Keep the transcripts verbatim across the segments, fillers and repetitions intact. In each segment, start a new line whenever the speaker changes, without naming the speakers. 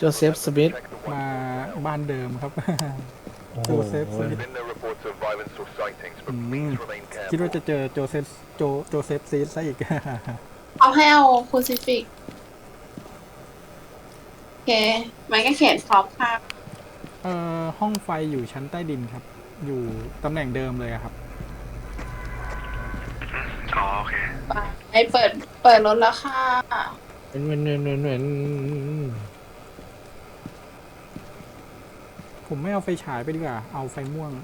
โจเซฟสมิธ
มาบ้านเดิมครับ
โอ้โห
โจเซฟสมิธอืมคิดว่าจะเจอโจเซฟโจโจเซฟซีดซะอีก
เอาให้เอาคูซิฟิกโอเคมันก็เขียนพร้อมค่ะ
เอ่อห้องไฟอยู่ชั้นใต้ดินครับ อยู่ตำแหน่งเดิมเลยอะครับ
อ๋อโอเค
ไปเปิดเปิดรถแล้วค่ะ
เว้นเว้นเว้นเว้นเว้น
ผมไม่เอาไฟฉายไปดีกว่า เอาไฟม่วง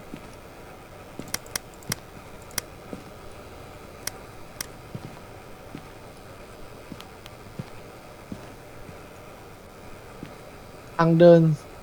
ทางเดิน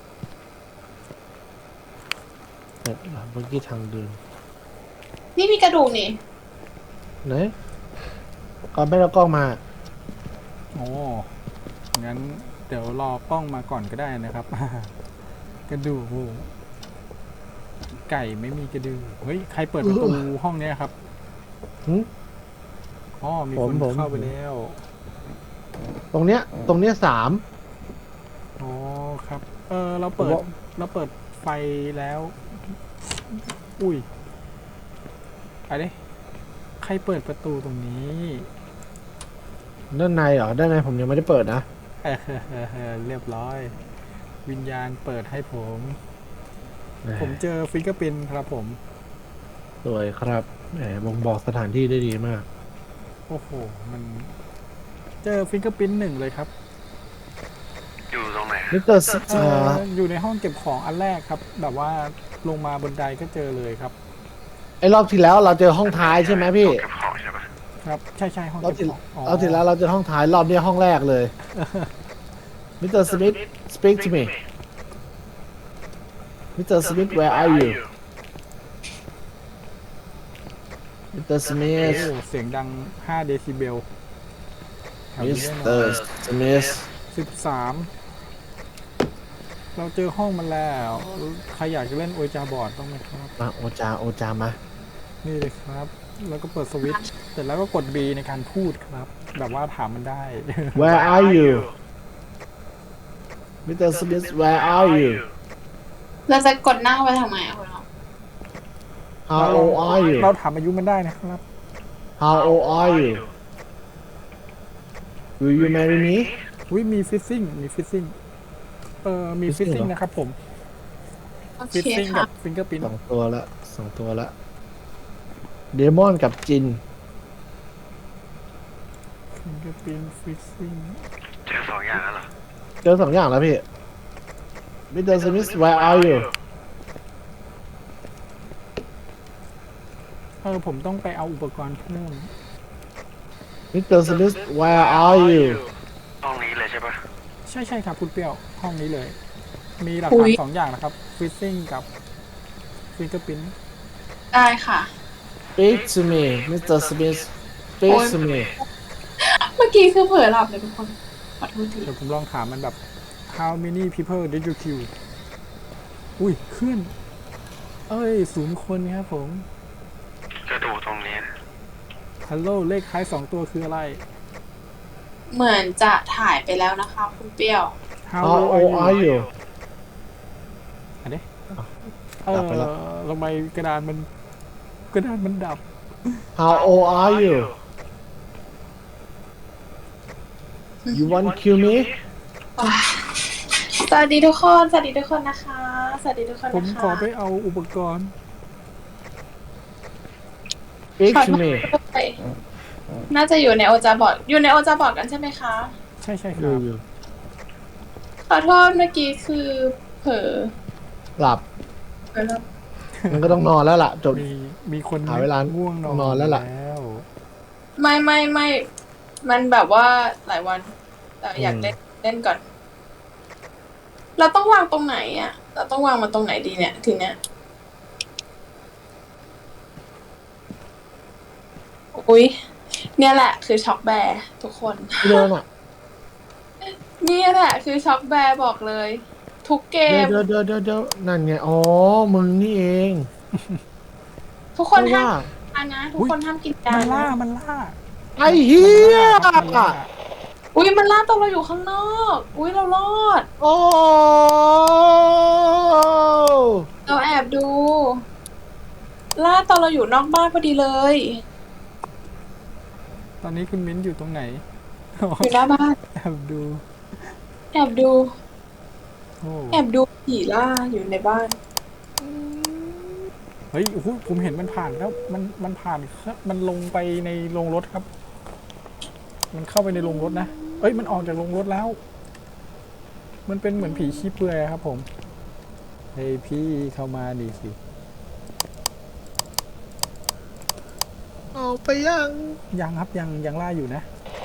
เมื่อกี้ทางเดิน
นี่มีกระดูกนี่
ไหนก่อนไม่เรากล้องมา
โอ้งั้นเดี๋ยวรอกล้องมาก่อนก็ได้นะครับ กระดูกไก่ไม่มีกระดูกเฮ้ย ใครเปิดประตูห้องเนี้ยครับ
หึ
อ๋อ มี
ผ
ค
ม
น
ผม
เข้าไปแล้ว
ตรงเนี้ยตรงเนี้ยสาม
อ๋อครับ เออเราเปิ
ผม
ด
ว่า
เราเปิดไฟแล้ว อุ้ยอะไรใครเปิดประตูตรงนี้
ด้านในเหรอด้านในผมยังไม่ได้เปิดนะ
เออเรียบร้อย วิญญาณเปิดให้ผม ผมเจอฟิงเกอร์ปินครับผม
สวยครับแหมบ่งบอกสถานที่ได้ดีมาก
โอ้โห มัน เจอฟิงเกอร์ปินหนึ่งเลยครับ
อยู่ตรงไหน
มิสเตอร์ส
เอออยู่ในห้องเก็บของอันแรกครับ แบบว่าลงมาบนไดก็เจอเลยครับ
ไอ้รอบที่แล้วเราเจอห้องท้ายใช่ไหมพี่
เก็บของใช่ปะ
ครับ ใช่ใช่ห้อง
รอบ
เก็บ
ที่
ของอ๋อ
รอบที่แล้วเราเจอห้องท้ายรอบนี้ห้องแรกเลยมิสเตอร์สมิธ speak to me มิสเตอร์สมิธ where are you มิสเตอร์สมิธ
โอ้เสียงดังห้าเดซิเบล
มิสเตอร์สมิธ
สิบสามเราเจอห้องมันแล้ว ใครอยากจะเล่นโอจาบอร์ดต้องไหมครับ
มาโอจาโอจามา
นี่เลยครับ แล้วก็เปิดสวิตช์เสร็จแล้วก็กด B ในการพูดครับ แบบว่าถามมันได้
Where are you มิสเตอร์สมิธ Where are you
เราจะกดหน้าไปทำไมอะคุณน้อง
How old are you
เราถามอายุมันได้นะครับ
How old are you Will you marry me
วิมีฟิซซิ่ง มีฟิซซิ่ง เออมีฟิซ
Fizzing
ซิ่ง
เหรอ
นะครับผม
โอ
ฟิซ
เค
ซิ่ง
ค่ะ
กับฟิงเกอร์พิ้น
สองตัวละสองตัวละเดมอนกับจิน
ฟิงเกอร์พิ้นฟิซซิ่ง
เจอสองอย่างแล้วเหรอ
เจอสองอย่างแล้วพี่มิสเตอร์สมิธ Where are you
เออผมต้องไปเอาอุปกรณ์เพิ่ม
มิสเตอร์สมิธ Where are you
ห้องนี้เลยใช่ปะ
ใช่ใช่ครับคุณเปรี้ยว ห้องนี้เลย มีหลัก
อุ๊
ฐาน
ย
สองอย่างนะครับฟิซซิ่งกับฟิงเกอร์พิ้น
ได้ค่ะ
Speak to me มิสเตอร์สมิธ Speak to me
เมื่อกี้คือเผลอหลับเลยทุกคน ขอโทษที
เดี๋ยวผมลองถามมันแบบ how many people did you kill อุ้ยขึ้น เอ้ยศูนย์คนครับผม
จะดูตรงนี้
ฮัลโหลเลขท้ายสองตัวคืออะไร
เหมือนจะถ่ายไปแล้วนะคะคุณเปรี้ยว
how
How
old
old
are
are
you
you
อันนี้เอ
ดั
อบ
ไปแล้ว
ทำไมกระดานมันกระดานมันดับ
How old are you You want kill me
สวัสดีทุกคน สวัสดีทุกคนนะคะ สวัสดีทุกคน
ผม
นะคะ
ขอไปเอาอุปกรณ์
Speak
ขอ
to
โทษ
me
ด้วยน่าจะอยู่ในโอจาบอร์ดอยู่ในโอจาบอร์ดกันใช่ไหมคะ
ใช่ใช่ค
อยู่
รับ
อยู่
ขอโทษเมื่อกี้คือเผลอ
หลับ
เผลอแล้ว
มันก็ต้องนอนแล้วล่ะจบ
มีมีคน
หาเวลา
ง่วงนอน
นอนแล้วล่ะ
ว
ไม่ไม่ไม่มันแบบว่าหลายวันแต่อยาก
อืม
เล่นเล่นก่อน เราต้องวางตรงไหนอ่ะ เราต้องวางมันตรงไหนดีเนี่ยทีเนี้ยอุ๊ย เนี่ยแหละคือช็อกแบร์ทุกคน
ที่เดินอ่ะ
เนี่ยแหละคือช็อกแบร์บอกเลย ทุกเก
เดี๋ย
ม
วเดี๋ยวเดี๋ยวเดี๋ยวนั่นไง อ๋อ มึงนี่เอง
ทุกคน
เพราะ
ห้า
ว่า
มกินยานะ ทุกคนห้ามกินยา
มันล่า
นะ
มันล่า
ไอ้เหี้ย
มันล่า
อุ้ยมันล่าตัวเราอยู่ข้างนอก อุ้ยเรารอด
โอ้
เราแอบดู ล่าตอนเราอยู่นอกบ้านพอดีเลย
ตอนนี้คุณมิ้นอยู่ตรงไหน
อยู่หน้าบ้าน
แอบดู
แอบดู
โอ้
แอบดูผีล่าอยู่ในบ้าน
เฮ้ยโอ้โหผมเห็นมันผ่านแล้วมันมันผ่านมันลงไปในโรงรถครับ มันเข้าไปในโรงรถนะเอ้ยมันออกจากโรงรถแล้ว มันเป็นเหมือนผีขี้เปลือยครับผมเฮ้ยพี่เข้ามาดีสิ
เอาไปยัง
ยังครับยังยังล่าอยู่นะ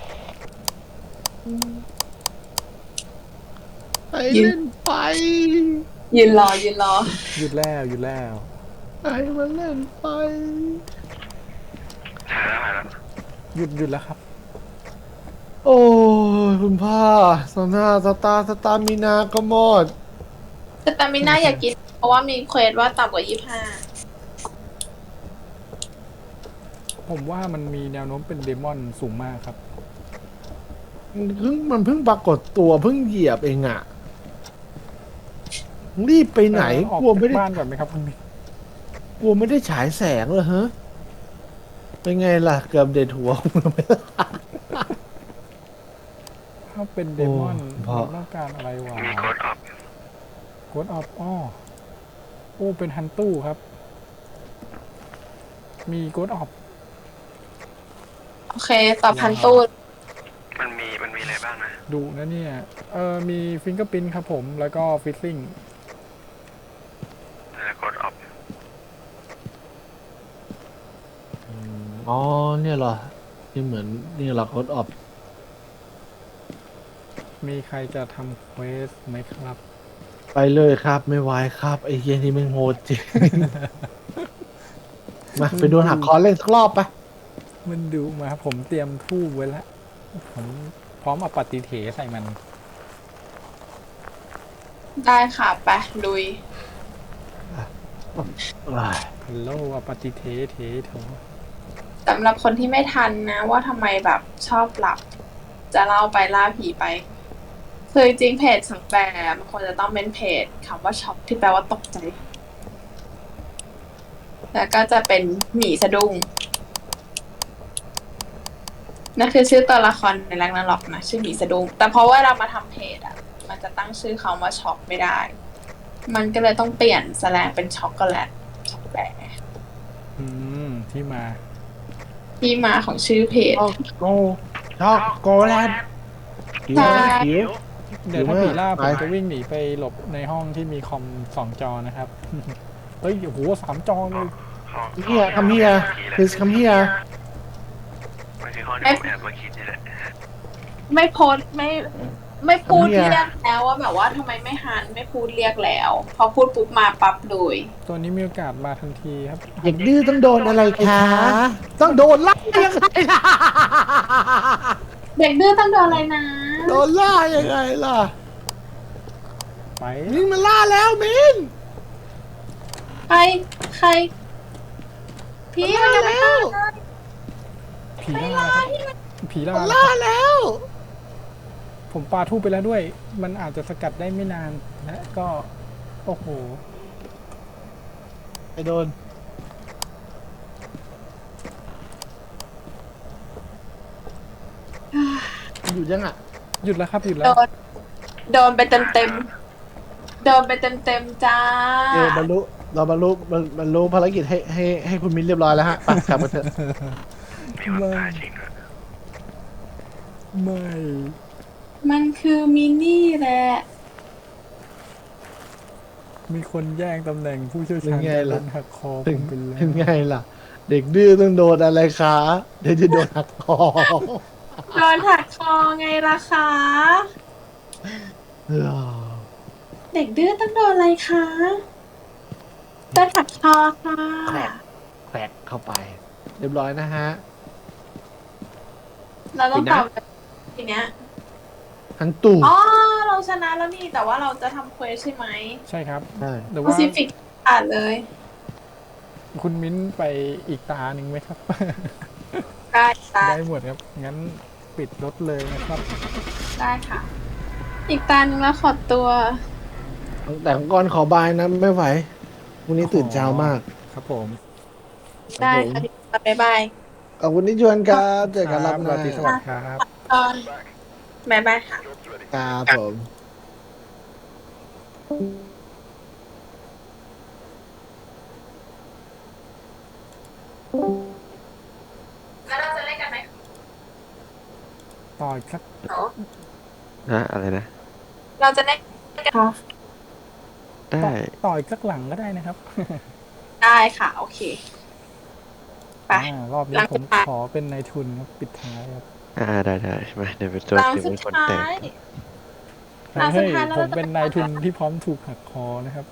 ไปเล่นไฟ
ยืนรอยืนรอ
หยุดแล้วหยุดแล้ว
ไปมาเล่นไฟ
หายแล้วหายแล้ว
หยุดหยุดแล้วครับ
โอ้ยคุณพ่อสนาสตาร์สตาร์มินาก็หมด
แต่ตามิน่าอยากกิน เพราะว่ามีเควสว่าต่ำกว่ายี่สิบห้า
ผมว่ามันมีแนวโน้มเป็นเดมอนสูงมากครับ
มันเพิ่งมันเพิ่งปรากฏตัวเพิ่งเหยียบเองอะรีบไปไหน
เออออก
กลัว
จา
ไม่
ก
ได้
บ้านก่อนไหมครับคุณมิ้น
กลัวไม่ได้ฉายแสงเลยฮะเป็นไงล่ะเกือบเด็ดหัวผมไปแล้ว
ถ้าเป็นเดมอน
โอ้พอ
เราต้องการอะไรวะ
มีโคดออฟ
โกดออฟอ้อโอ้เป็นฮันตู้ครับ มีโกดออฟ
โอเค ตอบพันตูด
มันมีมันมีอะไรบ้างนะ
ดูนะเนี่ย เออมีฟิงเกอร์พินครับผม แล้วก็ฟิซซิ่ง
แล้วโคดออฟ
อ๋อเนี่ยเหรอนี่เหมือนนี่เรากดออฟ
มีใครจะทำเควสไหมครับ
ไปเลยครับ ไม่ไหวครับไอ้เหี้ยนี่มันโหดจริง มาไปโดนหักคอเล่นสักรอบไป
มันดูมาผมเตรียมทูบไว้แล้ว ผมพร้อมเอาปฏิเถใส่มัน
ได้ค่ะ ไปลุย
ฮัลโหลเอาปฏิเถเถโถ
สำหรับคนที่ไม่ทันนะว่าทำไมแบบชอบหลับ จะเล่าไปล่าผีไป คือจริงๆเพจสังแปรมันควรจะต้องเป็นเพจคำว่าช็อกที่แปลว่าตกใจ แล้วก็จะเป็นหมีสะดุ้งนั่นคือชื่อตัวละครในแรงนั้นหรอกนะชื่อหมีสะดุ้งแต่เพราะว่าเรามาทำเพจอ่ะ มันจะตั้งชื่อคำว่าช็อกไม่ได้ มันก็เลยต้องเปลี่ยนแสลงเป็นช็อกโกแลตช็อกแปร
อืม ที่มา
ที่มาของชื่อเพจ
ช็อกโกช็อกโกแลตหิว
ใช่
หิว
เดี๋ยวถ้า
หรือว่า
ผีล่าผม
ไป
จะวิ่งหนีไปหลบในห้องที่มีคอมสองจอนะครับ เฮ้ยโอ้โหสามจอเลย
ห้อง
เฮียคำเฮีย please come here
มันคือห้องที่ผมแอบมาคิดนี่แหละ
ไม่โพสต์ไม่ไม่พูด
ทำไมอะ
เรียกแล้วว่าแบบว่าทำไมไม่หันไม่พูดเรียกแล้ว พอพูดปุ๊บมาปั๊บเลย
ตัวนี้มีโอกาสมาทันทีครับ
เด็กดื้อต้องโดนอะไรคะ ต้องโดนล่ายังไงล่ะ
เด็กดื้อต้องโดนอะไรนะ
โดนล่ายังไงล่ะ
ไป
มินมันล่าแล้วมิน
ใครใครพี่มันยังไม่ตายเลย
ผีล่าครับผีล่า
มัน
แล้ว
ล่า
ครับ
แล้ว
ผมปาทูบไปแล้วด้วย มันอาจจะสกัดได้ไม่นานและก็ โอ้โห
ไอโดน อยู่ยังอ่ะ
หยุดแล้วครับ หยุดแล้
โด
วน
โดนไปเต็มเต็มๆโดนไปเต็มเต็มๆจ้า
เออบรรลุเราบรรลุบรรบรรลุภารกิจให้ให้ให้คุณมินเรียบร้อยแล้วฮะไปกลับมาเถอะ
มีคนตายจริงด้วย
ไม่
มันคือมินี่แหละ
มีคนแย่งตำแหน่งผู้เชี่ยวชาญ
เป็นไงล่ะ
โดนหักคอผ
เป็น
มไปแล้ว
เป็นไงล่ะ เด็กดื้อต้องโดนอะไรคะเดี๋ยวจะโดนหักคอ
โดนถักคอไงล่ะคะ
เออ
เด็กดื้อต้องโดนอะไรคะโดนถักคอค่ะ
แขวกแขวกเข้าไป เรียบร้อยนะฮะ
เราต้องตอบทีเนี้ย
ทั้งตู่
อ๋อ เราชนะแล้วนี่ แต่ว่าเราจะทำเควสใช่ไหม
ใช่ครับ
ใช่
แต่
โพ
ว่า
ซิฟิกอ่านเลย
คุณมิ้นไปอีกตาหนึ่งไหมครับ
ได้ได้
ได้หมดครับ งั้นปิดปิดรถเลยนะครับ
ได้ค่ะ อีกตาหนึ่งแล้วขอตัว
แต่ของกรขอบายนะไม่ไหววันนี้ตื่นเช้ามาก
ครับผม
ได้ค่ะพี่ปอบ๊ายบาย
ขอบคุณที่ชวนครับเจอกันรับห
รา
น้า
ตรีสวัสดิ์ครับ
ตอนบ๊ายบายค่ะ
ครับผม
แล้วเราจะเล่นกันไหม
ต่อยสัก
นะอะไรนะ
เราจะเล่นกันค่ะ
ได้
ต่อยสักหลังก็ได้นะครับ
ได้ค่ะ โอเค ไป
อ่ารอบนี้
หลัง
ผ
สุ
ม
ดท้าย
ขอเป็นนายทุนครับปิดท้ายครับ
อ่าได้ได้มาเดี๋ยวเป็นตัว
หลัง
เดี๋ยว
สุ
เป็
ด
นคน
ท้า
แต่ง
ย หลังสุ
เฮ้
ด
ย
ท้ายแล้ว
ผม
เราจะ
เป็นนายทุนที่พร้อมถูกหักคอนะครับ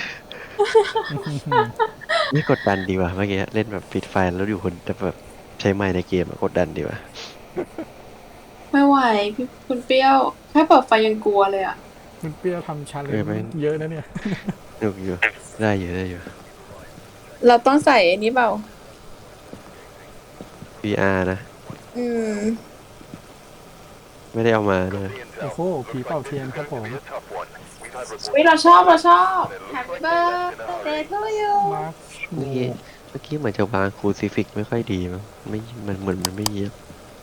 นี่กดดันดีว่ะเมื่อกี้เล่นแบบปิดไฟแล้วอยู่คนแต่แบบใช้ไม้ในเกมอะกดดันดีว่ะ
ไม่ไหวพี่คุณเปรี้ยวแค่เปิดไฟยังกลัวเลยอ่ะ
คุณเปรี้ยวทำชาเล
เออน ไม่
จ์เยอะนะเนี่ย
สนุกอยู่ได้อยู่ได้อยู่
เราต้องใส่อันนี้เปล่า
วี อาร์ นะ
อืม
ไม่ได้เอามาเลย
โอ้โหผีเป่าเทียนครับผม
วิเราชอบเราชอบ Happy birthday to you
มาร์ค
เมื่อกี้เมื่อกี้เหมือนจะวางคูซิฟิกไม่ค่อยดีมั้งไม่มันเหมือนมันไม่เยียบ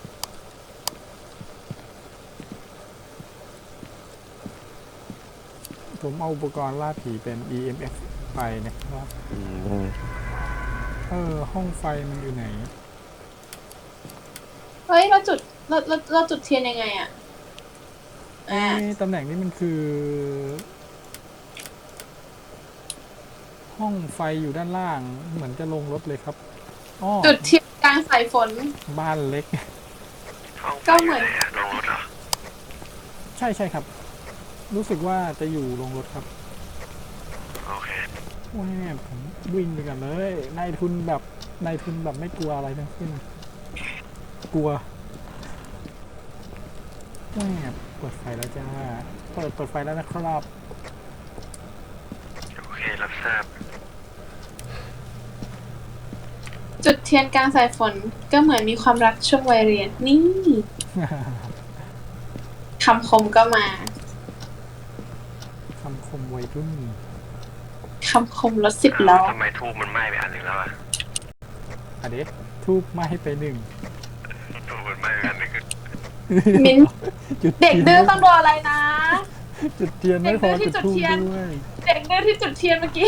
ผมเอาอุปกรณ์ล่าผีเป็น อี เอ็ม เอฟ ไปนะครับ
อืมได้
เออ ห้องไฟมันอยู่ไหน
เฮ้ย เราจุดเราเราเราจุดเทียนยังไงอ่ะ อ่า
เอ๊ะตำแหน่งนี้มันคือ ห้องไฟอยู่ด้านล่าง เหมือนจะลงรถเลยครับอ้อ
จุดเทียนกลางสายฝน
บ้านเล็ก
ห้องไฟ
ก็เหมือน
ยู่ไะลงรถเหรอ
ใช่ใช่ครับ รู้สึกว่าจะอยู่ลงรถครับ
โอเค
แหวผมวิ่งไปกันเลยนายทุนแบบนายทุนแบบไม่กลัวอะไรทั้งสิ้น กลัวแหวเปิดไฟแล้วจ้า เปิดเปิดไฟแล้วนะครับ
โอเครับทราบ
จุดเทียนกลางสายฝนก็เหมือนมีความรักช่วงวัยเรียน นี่คำคมก็มา
คำคมวัยรุ่น
คำคมรถสิบล้อ
ทำไมทูบมันไหม้ไปอันหนึ่งแล้วอะ
อะเดะทูบไหม้ไปหนึ่ง
ทูบมันไหม้ไปอันหนึ่ง
มิ้น
จุด
เด็ก
ทียน
ดื้อต้องโดนอะไรนะ
จุดเทียนไม่พอ
เด็กดื้อที่
จุด
จุด
ทูบ
เทียน
ด้วย
เด็กดื้อที่จุดเทียนเมื่อกี้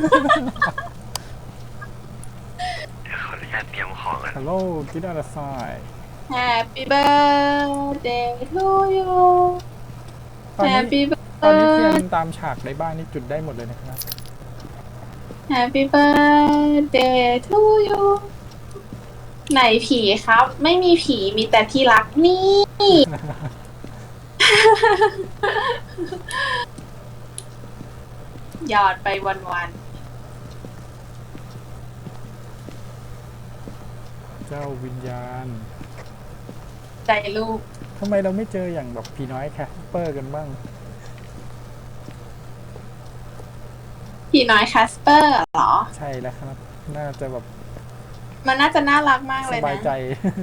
เดี๋ยวขออนุญาตเตรียมของกัน
ฮัลโหลกิดอะไรสาย
Happy birthday to you
ตอนนี้
Happy
ตอนนี้เทีย
birthday
นตามฉากในบ้านนี่จุดได้หมดเลยนะครับ
Happy birthday to you ไหนผีครับ ไม่มีผีมีแต่ที่รักนี่ หยอดไปวัน
เจ้าวิญญาณ
ๆ ใจลูก
ทำไมเราไม่เจออย่างแบบผีน้อยแคสเปอร์กันบ้าง
ผีน้อยแคสเปอร์เหรอ
ใช่แล้วครับ น่าจะแบบ
มันน่าจะน่ารักมาก
ส
เลย
บาย
นะ
ใจ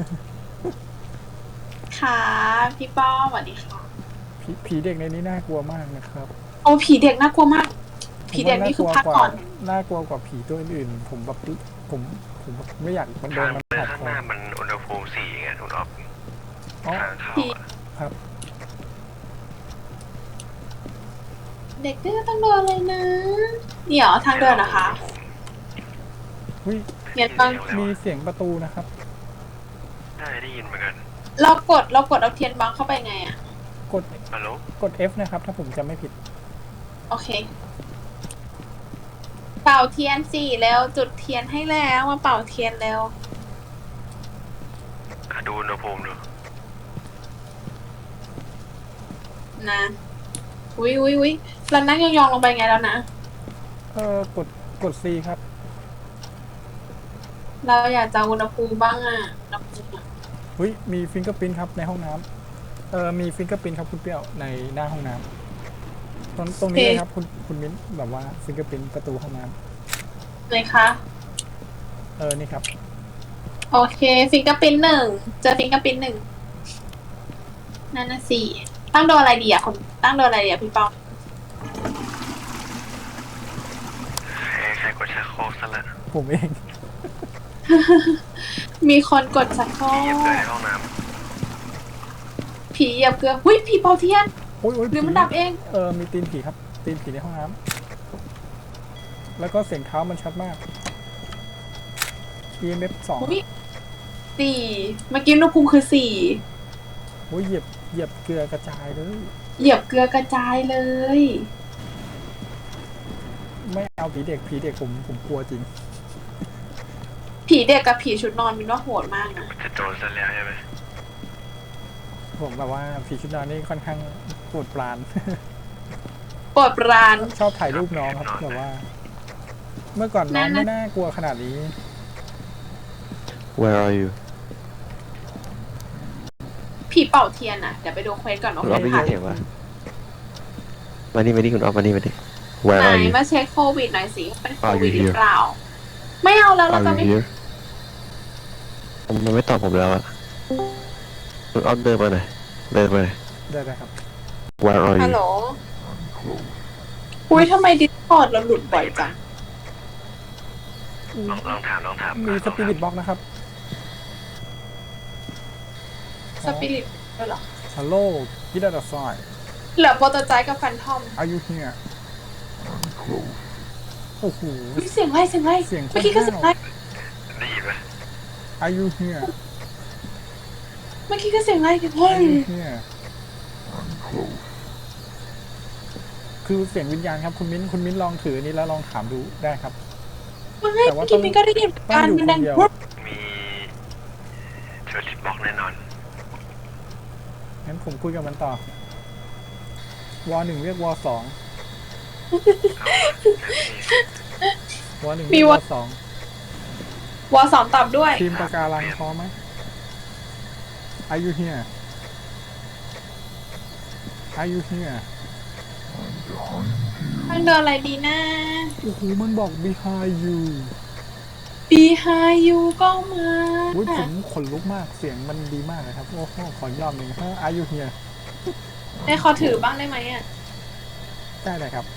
ค่ะ พี่ป้อมสวัสดีค่ะ
ผีผีเด็กในนี้น่ากลัวมากนะครับ
โอ้ผีเด็กน่ากลัวมาก ผีเด็กนี่คือพักก่อน
น่ากลัวกว่าผีตัวอื่นๆ ผมแบบผมผมแบบไม่อยากมันโด
ทาน ง
มัน
เดิน
ผัด
ข้าง
ค
ห
อ
น้ามันอุณหภูมิสี่ไงคุณอ๊อฟ
อ๋อ
ทางเข้าอะ
ครับ
เด็กดื้อต้องโดนเลยนะ เดี๋ยวทางเดินนะคะ
เฮ้ย
เงียบฟัง
มีเสียงประตูนะครับ
ได้ได้ยินเหมือนกัน
เรากดเรากดเอาเทียนบังเข้าไปไงอะ
กด
ฮัลโหล
กด F นะครับ ถ้าผมจำไม่ผิด
โอเค เป่าเทียนสี่แล้วจุดเทียนให้แล้วมาเป่าเทียนแล้ว
อ่ะดูอุณหภูมิดู
นะอุ้ยอุ้ยอุ้ยเรานั่งยองๆลงไปไงแล้วนะ
เออกดกด C ครับ
เราอยากจะอุณหภูมิบ้างอะอุณหภูมิอะ
เฮ้ย มีฟิงเกอร์พิ้นครับในห้องน้ำเออมีฟิงเกอร์พิ้นครับคุณเปรี้ยวในหน้าห้องน้ำตรงตรงนี้เลยครับคุณคุณมิ้นแบบว่าฟิงเกอร์พิ้นประตูห้องน้
เลยคะ
ำเออนี่ครับ
โอเคฟิงเกอร์ปิ้นหนึ่งเจอฟิงเกอร์ปิ้นหนึ่งนั่นน่ะสิตั้งโดนอะไรดีอ่ะคนตั้งโดนอะไรดีอ่ะพี่เปา
ใครใครกดชักโครกซะละ
ผมเอง
มีคนกดชักโคร
เหยียบเลยใน
ก
ห้องน้
ผีเหยียบเกลือหุ้ยผีเป่าเทียน
โอ้ยโอ้ย
หรือมัน
ผี
ดับเอง
เออมีตีนผีครับ ตีนผีในห้องน้ำแล้วก็เสียงเท้ามันชัดมาก อี เอ็ม เอฟ สอง
หุ้ยสี่เมื่อกี้อุณหภูมิคือสี่
โอ้ยเหยียบเหยียบเกลือกระจายเลย
เหยียบเกลือกระจายเลย
ไม่เอาผีเด็กผีเด็กผมผมกลัวจริง
ผีเด็กกับผีชุดนอนมินว่าโหดมากนะ
ำจะโดนซะแล้วใช่ไหม
ผมแบบว่าผีชุดนอนนี่ค่อนข้างโปรดปราน
โปรดปราน
ชอบถ่ายรูปน้องครับแบบว่า เมื่อก่อนน้อง
นั่นนะ
ไม่น่ากลัวขนาดนี้
Where are you
ผีเป่าเทียนอ่ะเดี๋ยวไปดูเควสก่อนว่า
คุณ
เคว
ออฟ
ส
ได้ยิ
ผ่าน น
เสียงปะมานี่มานี่คุณออฟมานี่มานี่
ไห
Where
น
are you
มาเช็คโควิดหน่อยสิว่าเป็นโค
Are you
วิดหรือ
here?
เปล่า ไม่เอาแล้วเรา
Are
จะ
you
ไม่
here มันไม่ตอบผมแล้วอะคุณออฟเดินมาหน่อยเดินมาหน่อย
ได้ได้ครับ
Where are
ฮัล
you
โหลอุ้ยทำไมดิสคอร์ดเราหลุดบ่อยจัง
ลองลองถามลองถาม
มีสปิริตบ็อกนะครับ
สปิริตด้วยเหรอ
ฮัลโหลกิดาดาซอย
เหลือโปรโตไจป์กับแฟนทอม
อายุเฮียโอ้โห
อุ๊ยเสียงไรเสียงไร
เสียงโคตร
เมื่อกี้ก็เสียงไร
ได้ยินไหม
อายุเฮีย
เมื่อกี้ก็เสียงไรกันเฮ้
อาย ยุเฮียคือเสียงวิญญาณครับคุณมิ้นคุณมิ้นลองถืออนนี้แล้วลองถามดูได้ครับ
ไม่
แต่ว่า
เมื่อกี้มินก็ได้ยิน
ต้อก
าง ร
อยู่
มัน
ค
ดั
น
ง
เดียว
ปุ๊บ
มีเชอร์ลิตบอกแน่นอน
งั้นผมคุยกับมันต่อ วอหนึ่งเรียกวอสอง วอหนึ่งเรียกวอสอง
วอสองตอบด้วย
ทีมปะการังพร้อมไหมอายุเฮียอายุเฮีย
มันเดินอะไรดีนะ
โอ้โหมันบอก behind you
ปีไฮยูก็มา
อุ้ยผมขนลุกมากเสียงมันดีมากเลยครับ โอ้โหขอยอมหนึ่งฮะอายุเฮีย
ในขอถือบ้างได้ไหมอ่ะ
ได้เลยครับ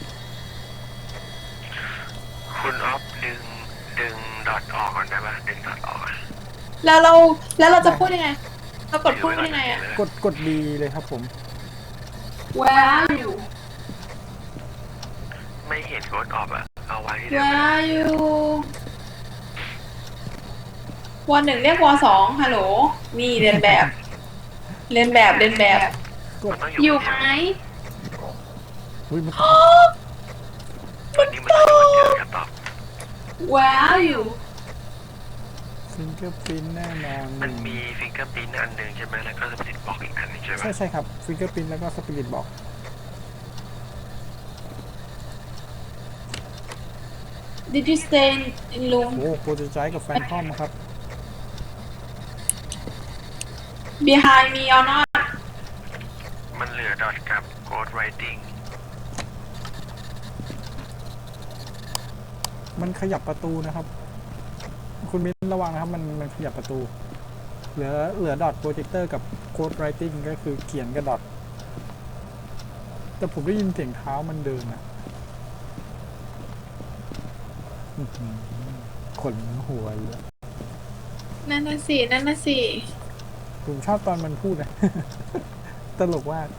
คุณออฟดึงดึงดอทออกก่อนได้ปะดึงดอทออกก่อน
แล้วเราแล้วเราจะพูดยังไง เรากดพูดยังไงอ่ะ
กดกดดีเลยครับผม
Where are you
ไม่เห็นกดออกอะเอาไว้ที่เดิม
Where are you วอหนึ่งเรียกวอสองฮัลโหล นี่เรียนแบบ เรียนแบบเรียนแบบ
มันต้องอ
อยู่ ยู่
คน
ไหม
เดียว
อุ้ยมัน
วันนี้มันต้องอยู่คนเดียวกันตอบ
Where are you
ฟิงเกอร์พินแน่นอน
มันมีฟิงเกอร์พิ้นอันหนึ่งใช่ไหมแล้วก็สปิริตบอกอีกอันหนึงใช่ไหม
ใช่ใช่ครับฟิงเกอร์พินแล้วก็สปิริตบอก
Did you stay in room
โอ้โปรเจกต์กับแฟนทอมครับ
behind me or not
มันเหลือดอทกับโกดไรติ้ง
มันขยับประตูนะครับ คุณมิ้นระวังนะครับ มันมันขยับประตู เหลือเหลือดอทโปรเจคเตอร์กับโค้ดไรติ้งก็คือเขียนกับดอทแต่ผมได้ยินเสียงเท้ามันเดินอะอื้อหือขนหัวเลย
นั่นน่ะสินั่นน่ะสิ
ผมชอบตอนมันพูดนะ ตลกว่าก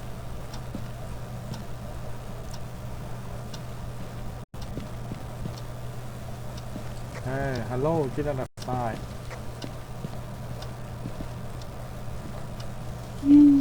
เฮ้ยฮัลโหลกินระดับซ้าย
อืม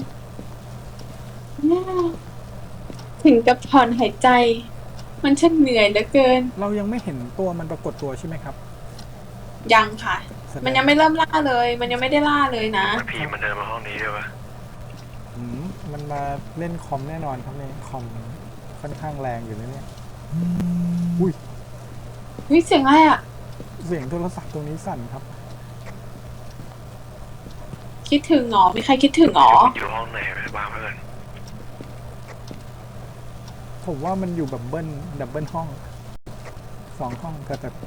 ถึงกับถอนหายใจ มันช่างเหนื่อยเหลือเกิน
เรายังไม่เห็นตัวมันปรากฏตัวใช่ไหมครับ
ยังค่ะ
แสด
มันยังไม่เริ่มล่าเลย มันยังไม่ได้ล่าเลยนะ
มันพีมันเดินมาห้องนี้ด้วยวะ
อืมมันมาเล่นคอมแน่นอนครับเนี่ยคอมค่อนข้างแรงอยู่นะเนี่ยอุ้ย
เฮ้ยเสียงอะไรอ่ะ
เสียงโทรศัพท์ตรงนี้สั่นครับ
คิดถึงหรอ มีใครคิดถึงหรอ
อยู่ห้องไหนไปวางไว้ก่อน
ผมว่ามันอยู่แบบเบิ้ลดับเบิลห้องสองห้องก็แต่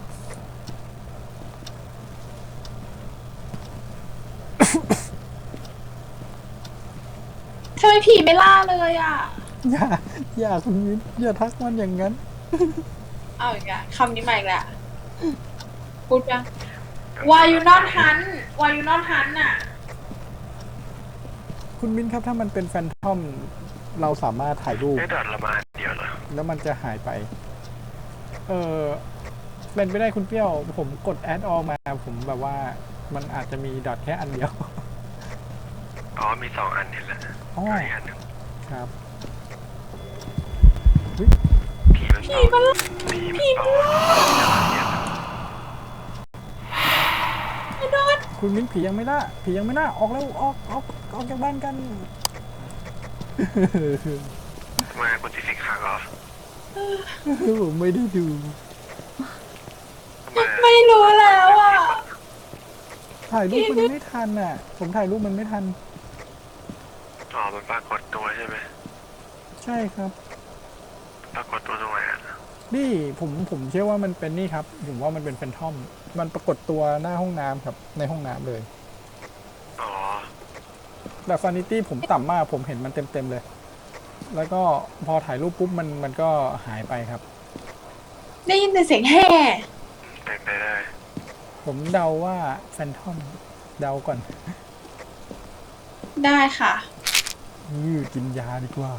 ผีไม่ล่าเลยอ่ะ
อย่าอย่าคุณมิ้นอย่าทักมันอย่างนั้น
เอาอีกอะคำนี้ใหม่อีกแล้วพูดยัง Why you not hunt Why you not hunt น่ะ
คุณมิ้นครับถ้ามันเป็นแฟนทอมเราสามารถถ่ายรูป
ไม่ดอทละมาเดียวเหรอ
แล้วมันจะหายไป เออเป็นไปได้คุณเปรี้ยว ผมกดแอดออมา ผมแบบว่ามันอาจจะมีดอทแค่อันเดียว
อ๋อมีสองอันนี่แหละ
อ๋อ
อีกอันหนึ่ง
ครับ
ผีมันผีมันผีมันต่อ
คุณมิ้นผียังไม่ล่าผียังไม่ล่าออกแล้วออกออกออกจากบ้านกัน
มาคุณติดสิขังเหรอ
ผมไม่ได้ดู
ทำไม
ไม่รู้แล้วอ่ะ
ถ่ายรูปมันไม่ทันอ่ะ ผมถ่ายรูปมันไม่ทัน
อ๋อมันปรากฏตัวใช่ไหม
ใช่ครับ
ปรากฏตัวตรงไหนอ่ะ
นี่ผมผมเชื่อว่ามันเป็นนี่ครับ ผมว่ามันเป็นแฟนทอม มันปรากฏตัวหน้าห้องน้ำครับ ในห้องน้ำเลย
อ๋อ
แต่ซานิตี้ผมต่ำมาก ผมเห็นมันเต็มๆเลย แล้วก็พอถ่ายรูปปุ๊บมันมันก็หายไปครับ
ได้ยินแต่เสียงแห่
เป็นไปได้
ผมเดาว่าแฟนทอม เดาก่อน
ได้ค่ะ
ยือกินยาดีกว่า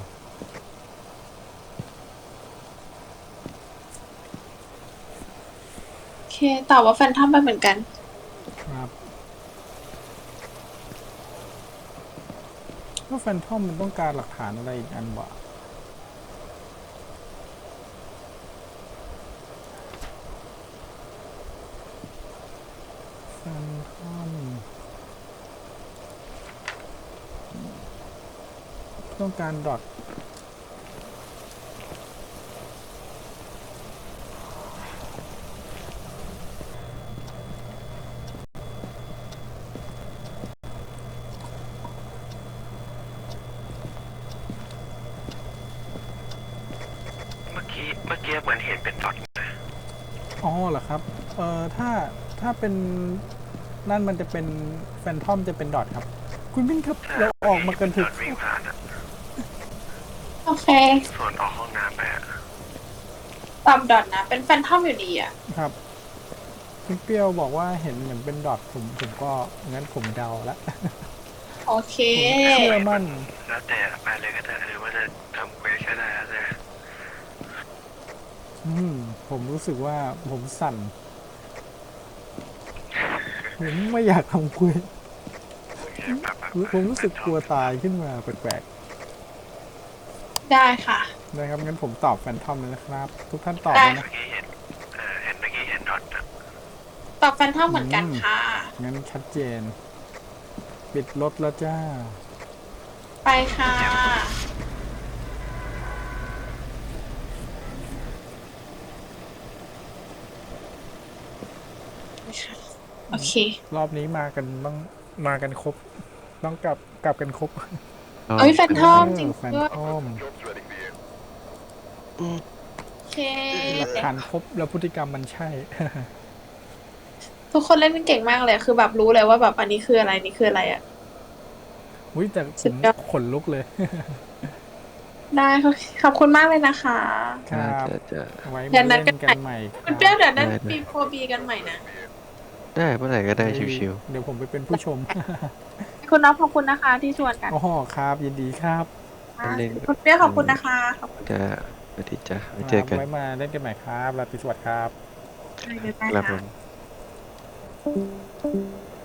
โอเคตอบว่าแฟนทอมไปเหมือนกัน
ครับว่าแฟนทอมมันต้องการหลักฐานอะไรอีกอันวะแฟนทอมต้องการดอท
เมื่อกี้เมื่อกี้เหมือนเห็นเป็นดอทนะ
อ๋อเหรอครับ เอ่อ ถ้า ถ้าเป็น นั่นมันจะเป็นแฟนทอมจะเป็นดอทครับ คุณมิ้นครับ เราออกมากันเถ
ดอ
อะ
ทวิ่งผ่านอ่ะ
โอเค
ส่วนออกห้องน้ำไปอ่ะ
ตอบดอทนะ เป็นแฟนทอมอยู่ดีอ่ะ
ครับ คุณเปรี้ยวบอกว่าเห็นเหมือนเป็นดอทผม ผมก็ งั้นผมเดาละ
โอเค
ผมเชื่อมั่น
แล้วแต่ไปเลยก็ได้หรือว่าจะทำเควสก็ได้แล้วแต่
อืม ผมรู้สึกว่าผมสั่น ผมไม่อยากทำคุย
แบบแบบ
ผมรู้สึกกลัวตายขึ้นมาแปลก
ได้ค่ะ
ๆนะครับ งั้นผมตอบแฟนทอมเลยนะครับ ทุกท่านตอบ
ได้
เลยนะ
เมื่อกี้เห็นเออเห็นเมื่อกี้เห็นดอทอะ
ตอบแฟนทอมเหมือนกันค่ะ
งั้นชัดเจน ปิดรถแล้วจ้า
ไปค่ะ โอเค
รอบนี้มากันต้องมากันครบ ต้องกลับกลับกันครบ
เอ้ยแฟนทอมจริง
แฟน
ด้วย
ทอม
โอเค
หลักฐานครบแล้วพฤติกรรมมันใช่
ทุกคนเล่นเป็นเก่งมากเลย คือแบบรู้เลยว่าแบบอันนี้คืออะไรนี่คืออะไรอ่ะ
อุ้ยแต่ผ
สุ
ม
ดยอด
ขนลุกเลย
ได้ค่ะขอบคุณมากเลยนะคะ
ครับ
จะจะ
ไว้
เดี๋
มา
ยวนั
เล่
ด
น
กั
กัน
น
ให
ใหม่
ม่
คุณเปรี้ยวเดี๋ยวนั้น
ได้ได้
ปีโฟบีกันใหม่นะ
ได้เมื่อไหร่ก็ได้ชิว
เดี๋ยวผมไปเป็นผู้ชม
คุณน้องขอบคุณนะคะที่ชวนกัน
อ๋อครับ ยินดีครับ
เล่น
คุณเปรี้ยวขอบคุณนะคะขอบคุณ
ๆจะสวัสดีจ้ะไว้เจอกัน
ไว้มาเล่นกันใหม่ครับราตรีสวัสดิ์ครับ
เลย
ครับ
ค่ะ
ผม